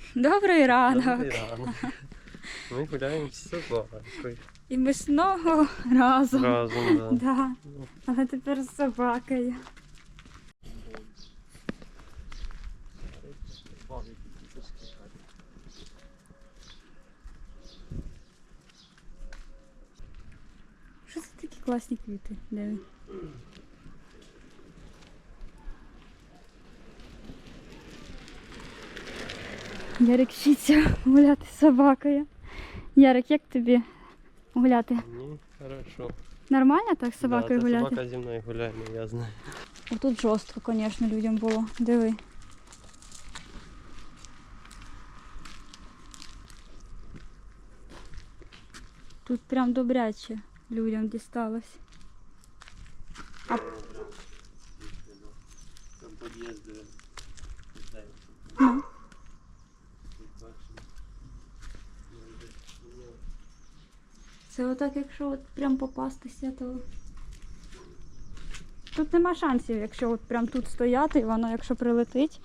Добрий ранок. Добрий ранок. Ми гуляємо з собакою. І ми знову разом. Разом, да. Да. Але тепер з собакою. Що це такі класні квіти? Диви. Ярик вчиться гуляти з собакою. Ярик, як тобі гуляти? Мені хорошо. Нормально так з собакою да, гуляти? Собака зі мною гуляє, я знаю. Тут жорстко, звісно, людям було. Диви. Тут прям добряче людям дісталось. Там під'їзди. Ну. Це отак, якщо от прям попастися, то тут нема шансів, якщо от прям тут стояти, і воно якщо прилетить.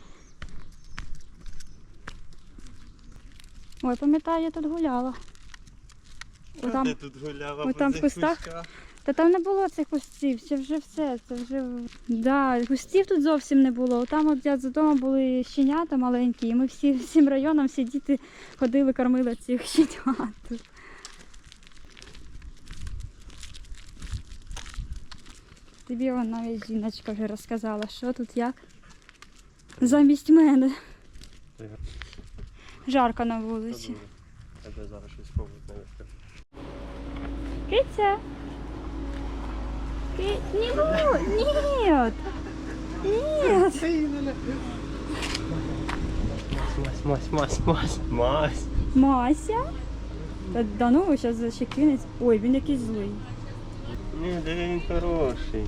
Ой, пам'ятаю, я тут гуляла. Отам, Ти тут гуляла отам по в цих кустах? кущах? Та там не було цих кустів, це вже все, це вже... Да, кустів тут зовсім не було. Там от я за домом були щенята маленькі, і ми всім районом, всі діти ходили, кормили цих щенят тут. Тобі вон навіть жіночка вже розказала, що тут як. Замість мене. Жарко на вулиці. Тебе зараз щось спробують не вискати. Киця. Не буду. Нет. Нет. Мась. Мася? Да ну, зараз ще кинець. Ой, він якийсь злий. Ні, де він хороший.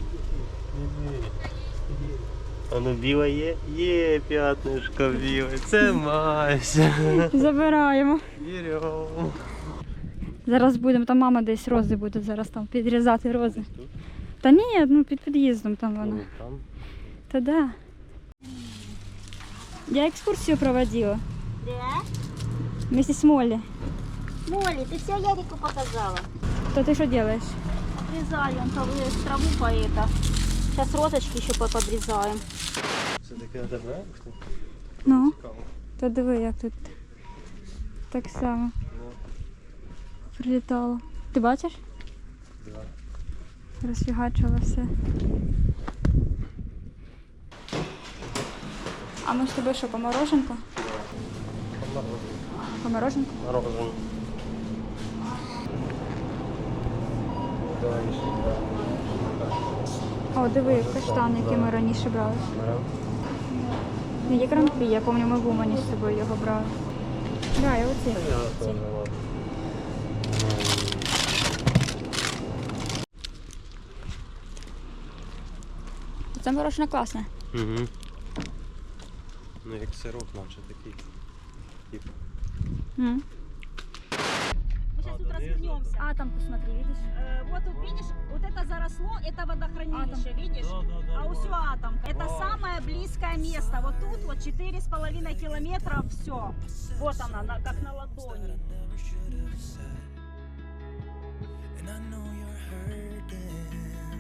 А ну біле є? Є п'ятнишко біле. Це Мася. Забираємо. Беремо. Зараз будемо, там мама десь рози буде зараз там підрізати рози. Та ні, ну під під'їздом там вона. Там. Та да. Я екскурсію проводила. Да? Вместе с Молли. Молли, ты все Ярику показала? То ты что делаешь? Обрезаю, он траву по это. Сейчас розочки еще подрезаем. Це таке добре? Ну, Цікаво. то диви, як тут так само Ну, прилітало. Ти бачиш? да. Розфігачило все. А ми з тобою що, по мороженку? По мороженку? Мороженое. Давай ще. О, диви, каштан, який ми раніше брали. Берем. Ну, є гран-прі, я пам'ятаю, ми в Умані з собою його брали. Да, і оці. Я теж ладно. Це морожене класне. Угу. Ну як сироп наче такий. Тип. М. Мы сейчас тут развернемся. А, там посмотри, видиш? Вот тут видишь, вот это заросло, это водохранилище, видишь? А усё атомка. Это самое близкое место. Вот тут вот 4,5 километра, все. Вот она, как на ладони. And I know you're hurting,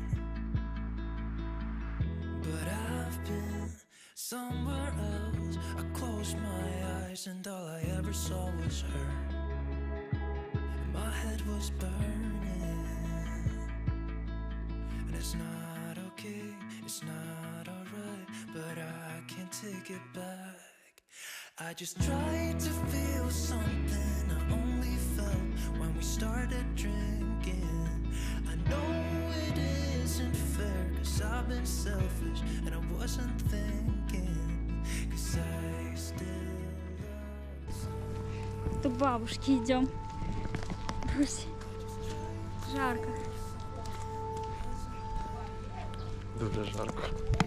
but I've been somewhere else. I closed my eyes and all I ever saw was her. And my head was burning, and it's not okay, it's not alright, but I can't take it back. I just tried to feel something I only felt when we started drinking. I know it isn't fair, cause I've been selfish and I wasn't thinking, cause I still love. До бабушки идем. Друзі, жарко. Дуже жарко.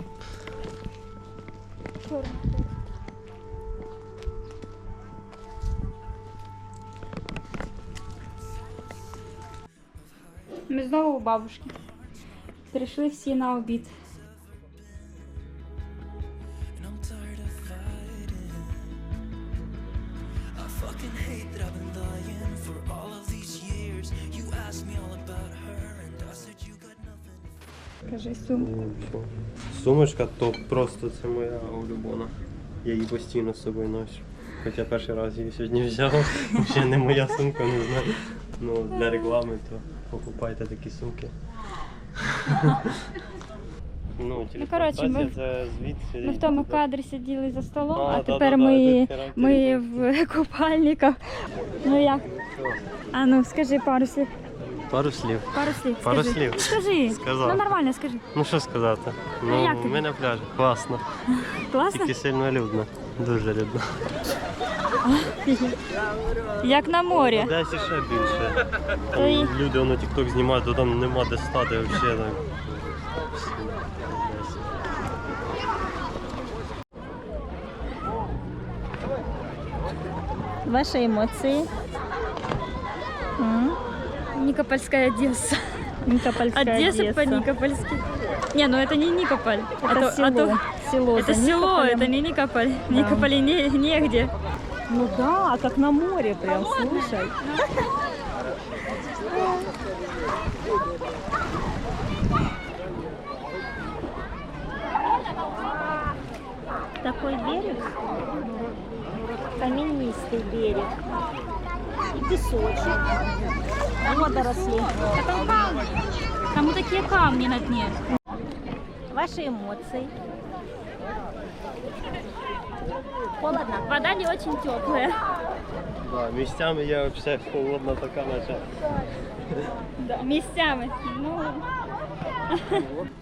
Ми знову у бабушки. Прийшли всі на обід. And I'm tired of fighting. can hate that I've been lying for all of these years. You asked me all about her, and I said you got nothing. Кажи сумку. Сумочка то просто це моя улюблена. Я її постійно з собою ношу. Хоча перший раз її сьогодні взяв, ще не моя сумка, не знаю. Ну, для реклами, то покупайте такі сумки. Ну, коротше, ми це звідси. Ми в тому кадрі сиділи за столом, а да, тепер да, ми, тут характер ми був. в купальниках. Ну як? А ну скажи пару слів. Пару слів. Пару слів. Пару скажи. слів. Скажи. Сказав. Ну нормально, скажи. Ну що сказати? Ну, як тобі? ми на пляжі. Класно. Класно? Тільки сильно людно. Дуже людно. Як на морі. Десь ще більше. То й- Там люди воно тік-ток знімають, то там нема де стати взагалі. Так. Ваши эмоции? Никопольская Одесса. Никопольская Одесса по-никопольски. Не, ну это не Никополь. Это село. Село. Это за село, Никополем. это не Никополь. Да. Никополе негде. Ну да, как на море прям, слушай. Такой берег, каменистый берег. И песочек, водоросли. Там вот такие камни на дне. Ваши эмоции? Холодно? Вода не очень теплая. Да, місцями я взагалі холодна така, наче. Да, местами. Ну,